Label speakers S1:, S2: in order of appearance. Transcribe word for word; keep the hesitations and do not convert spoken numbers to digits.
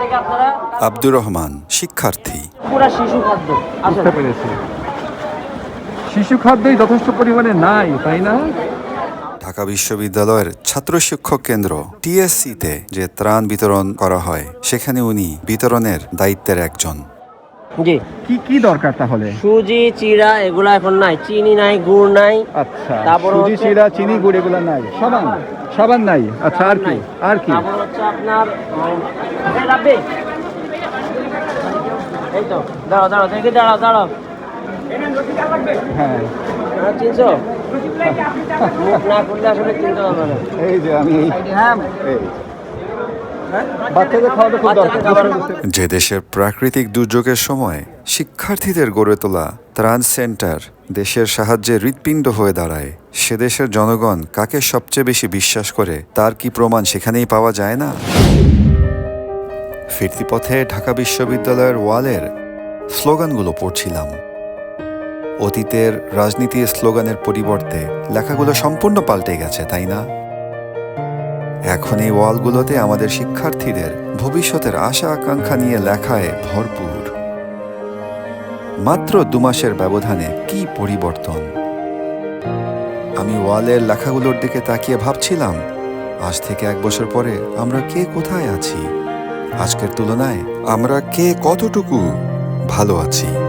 S1: থেকে আপনারা
S2: আব্দুর রহমান, শিক্ষার্থী।
S1: পুরা শিশু খাদ্য
S3: বুঝতে পেরেছি। শিশু খাদ্যই যথেষ্ট পরিমাণে নাই, তাই না?
S2: ঢাকা বিশ্ববিদ্যালয়ের ছাত্র শিক্ষক কেন্দ্র টিএসসিতে যে ত্রাণ বিতরণ করা হয়, সেখানে উনি বিতরণের দায়িত্বের একজন।
S1: জি,
S3: কি কি দরকার তাহলে?
S1: সুজি, চিড়া এগুলা এখন নাই, চিনি নাই, গুড় নাই।
S3: আচ্ছা,
S1: তারপর
S3: সুজি,
S1: হচ্ছে-
S3: চিড়া, চিনি, গুড় এগুলো নাই। সাবান সাবান নাই। আচ্ছা, আর কি? আর কি?
S1: তারপর হচ্ছে আপনার উম, এই রাব্বি। এই তো দাঁড়াও দাঁড়াও দেখি দাঁড়াও দাঁড়াও
S3: হ্যাঁ,
S1: হ্যাঁ, চিনছো? মুখ না করলে আসলে চিনতে পারবে না।
S3: এই যে আমি
S1: হ্যাঁ,
S3: এই বাচ্চাদের খাওয়াটা খুব
S1: বাচ্চাদের
S3: দরকার।
S1: খাবার-
S2: যে দেশের প্রাকৃতিক দুর্যোগের সময় শিক্ষার্থীদের গড়ে তোলা ত্রাণ সেন্টার দেশের সাহায্যে হৃৎপিণ্ড হয়ে দাঁড়ায়, সে দেশের জনগণ কাকে সবচেয়ে বেশি বিশ্বাস করে তার কি প্রমাণ সেখানেই পাওয়া যায় না? ফিরতি পথে ঢাকা বিশ্ববিদ্যালয়ের ওয়ালের স্লোগানগুলো পড়ছিলাম। অতীতের রাজনীতির স্লোগানের পরিবর্তে লেখাগুলো সম্পূর্ণ পাল্টে গেছে, তাই না? এখন এই ওয়ালগুলোতে আমাদের শিক্ষার্থীদের ভবিষ্যতের আশা আকাঙ্ক্ষা নিয়ে লেখায় ভরপুর। মাত্র দু মাসের ব্যবধানে কি পরিবর্তন! আমি ওয়ালের লেখাগুলোর দিকে তাকিয়ে ভাবছিলাম, আজ থেকে এক বছর পরে আমরা কে কোথায় আছি, আজকের তুলনায় আমরা কে কতটুকু ভালো আছি।